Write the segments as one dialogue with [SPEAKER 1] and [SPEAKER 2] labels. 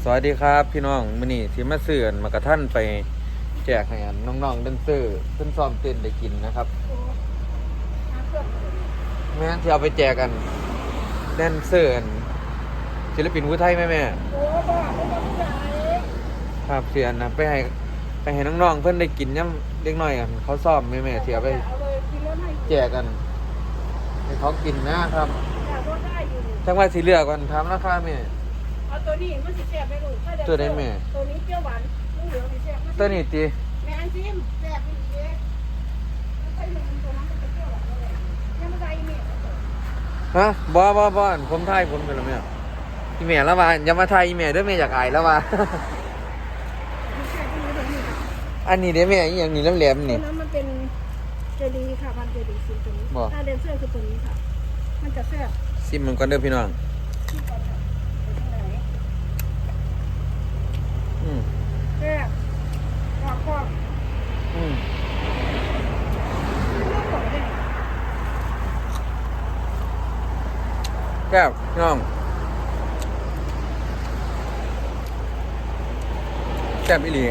[SPEAKER 1] สวัสดีครับพี่น้องมื้อนี้ที่มาซื้อมากระทั่นไปแจกให้น้องๆแดนเซอร์เพิ่นซ้อมเต้นได้กินนะครับแม่นที่เอาไปแจกกันแดนเซอร์ศิลปินผู้ไทยแม่
[SPEAKER 2] โอ้บ้าไม่ต้องใจ
[SPEAKER 1] ครับเสียนะไปให้น้องๆเพิ่นได้กินย่ำเล็กน้อยกันเขาซ้อมแม่ที่เอาไป
[SPEAKER 2] เอาเลยกินแล้วให้
[SPEAKER 1] แจกกันให้เขากินนะครับ
[SPEAKER 2] อยากรถได้อยู่
[SPEAKER 1] จังว่าสิเลือกก่อนถามราคาแม่
[SPEAKER 2] เอาตัวนี้มันสิแซ่บไม่รู้
[SPEAKER 1] ตัวไหนแม่
[SPEAKER 2] ตัวนี้เปรี้ยวหวานเหลืองสิแซ่บ
[SPEAKER 1] ตัวนี้ติ
[SPEAKER 2] แม่อันซิมแซ่บอีกเด้แล้วใส่ลงตัวนั้นมันจะเปรี้ยวหวานเลยยังไม่ได้อีเมล
[SPEAKER 1] ฮะบ่ผมถ่ายผมเป็นแล้วแม่อีแม่แล้วว่าอย่ามาถ่ายอีแม่เด้อแม่อยากอายแล้วว่า อันนี้เด้แม่อีหยังนี่แหลมๆนี่
[SPEAKER 2] ตัวนั้นมันเป็นเจดีค่ะพันเจดีซิมตัวนี้ถ้าเดนเซอร์คือตัวนี้ค่ะมันจะแซ่บ
[SPEAKER 1] ซิมมันก่อนเด้อพี่น้อง
[SPEAKER 2] แซ่บกรอบ
[SPEAKER 1] แก้วพี่น้องแซ่บอีหลี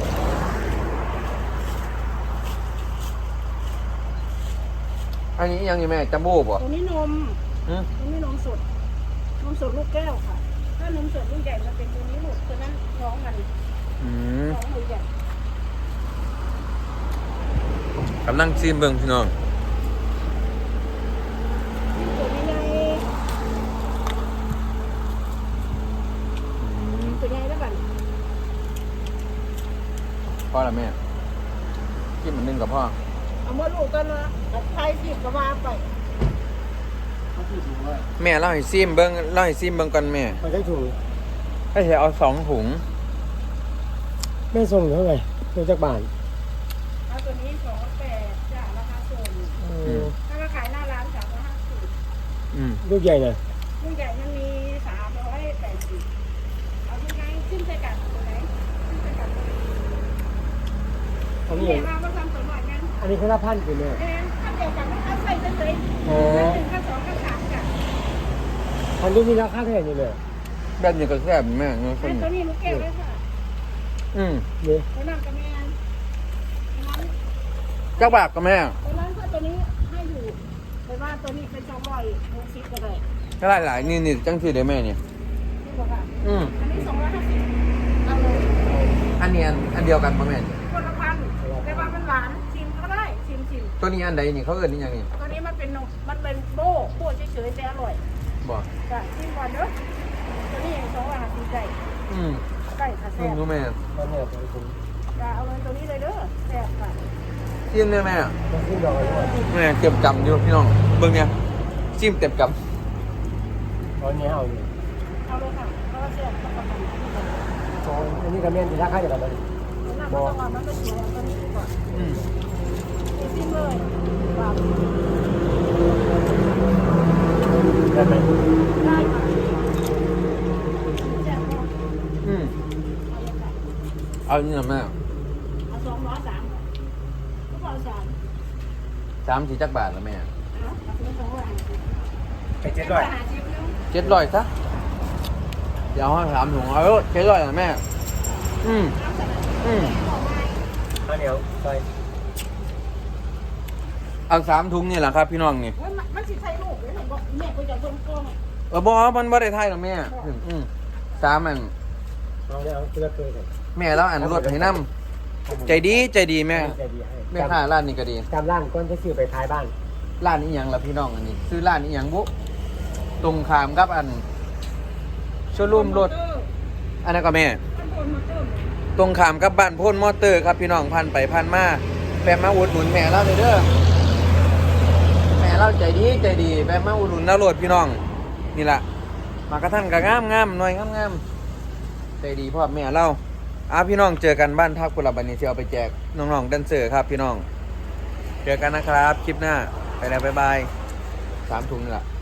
[SPEAKER 1] อันนี้ยังอยู่แม่จัมโบ้ป่ะ
[SPEAKER 2] ตัวนี้นมตัวนี้นมสดลูกแก้วค่ะถ้านมสดลูกใหญ่มันเป็นตัวนี้ลูกตัวนั้นน้องมันน้องมือใหญ่
[SPEAKER 1] กำลังซิมเบิ่งพี่น้อง
[SPEAKER 2] ตัวนี้ไงตัวใหญ่แล้วกัน
[SPEAKER 1] พ่อละแม่กินมันนึงกับพ่อ
[SPEAKER 2] เอามาลูกกันนะไทยสิบกว่าไป
[SPEAKER 1] แม่เล่าให้ซิมเบิ่งก่อนแม่
[SPEAKER 3] มันได้ถุง
[SPEAKER 1] ให้เธอเอา2 ถุง
[SPEAKER 3] แม่ส่งเท่าไหร่ตัวจากบ้าน
[SPEAKER 2] เอาตัวนี้280จ้ะราคาส่งถ้ามาขายหน้าร้าน350
[SPEAKER 3] ลูกใหญ่นะ
[SPEAKER 2] ลูกใหญ่มันมี380เอาที่ไหนขึ้นใส่กันตัวไหนขึ้นใส่กัน
[SPEAKER 3] อันนี้
[SPEAKER 2] มาทำตัวหน่อยงั้น
[SPEAKER 3] อันนี้คือละพันกี่เนี่ย
[SPEAKER 2] ถ้าเดียวกันไม่ใส่เฉยๆค่า2ค่า3จ้ะ
[SPEAKER 3] อันนี้มีราคาเท่าไหร่นี่เลย
[SPEAKER 1] แบบนี้ก็แซ่บแม่เนาะ
[SPEAKER 2] ตัวนี้ลูกแก้วเลยค่ะ
[SPEAKER 3] นี่
[SPEAKER 2] ตัวนั้นกับแม่
[SPEAKER 1] เจ้าบากกับแม่
[SPEAKER 2] ตัวนั้นถ้าตัวนี้ให้อยู่แต่ว่าตัวนี้เป็น260ก็ได้
[SPEAKER 1] ก็หลายนี่จังสิได้แม่เนี่ย
[SPEAKER 2] นี่บอกค่ะอันนี้250เอาเลย
[SPEAKER 1] อันนี้อันเดียวกันป่ะแม่
[SPEAKER 2] คนละพันแต่ว่ามันหวานชิมก็ได้ชิม
[SPEAKER 1] ตัวนี้อันใดนี่เขาเอิ้นนี่ยังนี่
[SPEAKER 2] ตัวนี้มันเป็นนมมันเป็นโบ้เฉยๆแต่อร่อย
[SPEAKER 1] บ่
[SPEAKER 2] จ้ะชิมก่อนเด้อตัวนี้250ไก่ไก่ค่ะแซ่บ
[SPEAKER 1] รู้แม่
[SPEAKER 3] มันเนี่ยเป็นถุง
[SPEAKER 2] จ้ะเอาเลยตัวนี้เลยเด้อแซ่บค่ะ
[SPEAKER 1] ซิมได้แม่
[SPEAKER 3] ต้องขึ้นดอกอะไร
[SPEAKER 1] แม่เก็บกำอยู่พี่น้องเบิ่งเนี่ยซิมเต็มก
[SPEAKER 3] ตอนนี้เอาอยู่
[SPEAKER 2] เอาเลยค่ะเพราะว่าแซ่บต้องประกัน
[SPEAKER 3] อันนี้กับแม่ที่ราคาเดียวกันเลย
[SPEAKER 2] บอกมันไม่สวยตัวนี้ก่อนซิมเลย
[SPEAKER 3] ได้ไหม
[SPEAKER 2] ได้ค่ะแซ่บ
[SPEAKER 1] เอานี่นะแม่
[SPEAKER 2] เอา203ก็เอา
[SPEAKER 1] 3 4จักบาทแล้วแม่
[SPEAKER 3] ไป
[SPEAKER 1] 700ซะเดี๋ยวให้3 ถุงเอา700นะแม่
[SPEAKER 3] เดี๋ยวไป
[SPEAKER 1] เอา3 ถุงนี่แหละครับพี่น้องนี่
[SPEAKER 2] มันสิใช้ลูกเลยบอกแม่ก็จะส่งกล้อง
[SPEAKER 1] บ่มันบ่ได้ถ่ายหรอกแม่3 อัน
[SPEAKER 3] เอาเดี๋ยวเลือกเลย
[SPEAKER 1] แม่แล้วอันรถให้นำใจดีแม่ค้าร้านนี้ก็ดี
[SPEAKER 3] จำร้านก้อนที่ซื้อไปท้ายบ้าน
[SPEAKER 1] ร้านนี้หยังล่ะพี่น้องอันนี้ซื้อร้านนี้หยังบุตรงข้ามกับอันโชว์รูมรถอันนั้นก็แม่ตรงข้ามกับบ้านพ่นมอเตอร์ครับพี่น้องพันไปพันมาแปะมาอุดหนุนแม่เราเด้อแม่เราใจดีแปะมาอุดหนุนแล้วรถพี่น้องนี่ล่ะมากระทั่งก็งามหน่อยงามใจดีพ่อแม่เราพี่น้องเจอกันบ้านทับกุหลาบบันนี้ที่เอาไปแจกน้องๆแดนเซอร์ครับพี่น้องเจอกันนะครับคลิปหน้าไปแล้วบ๊ายบาย3 ถุงนี่แหละ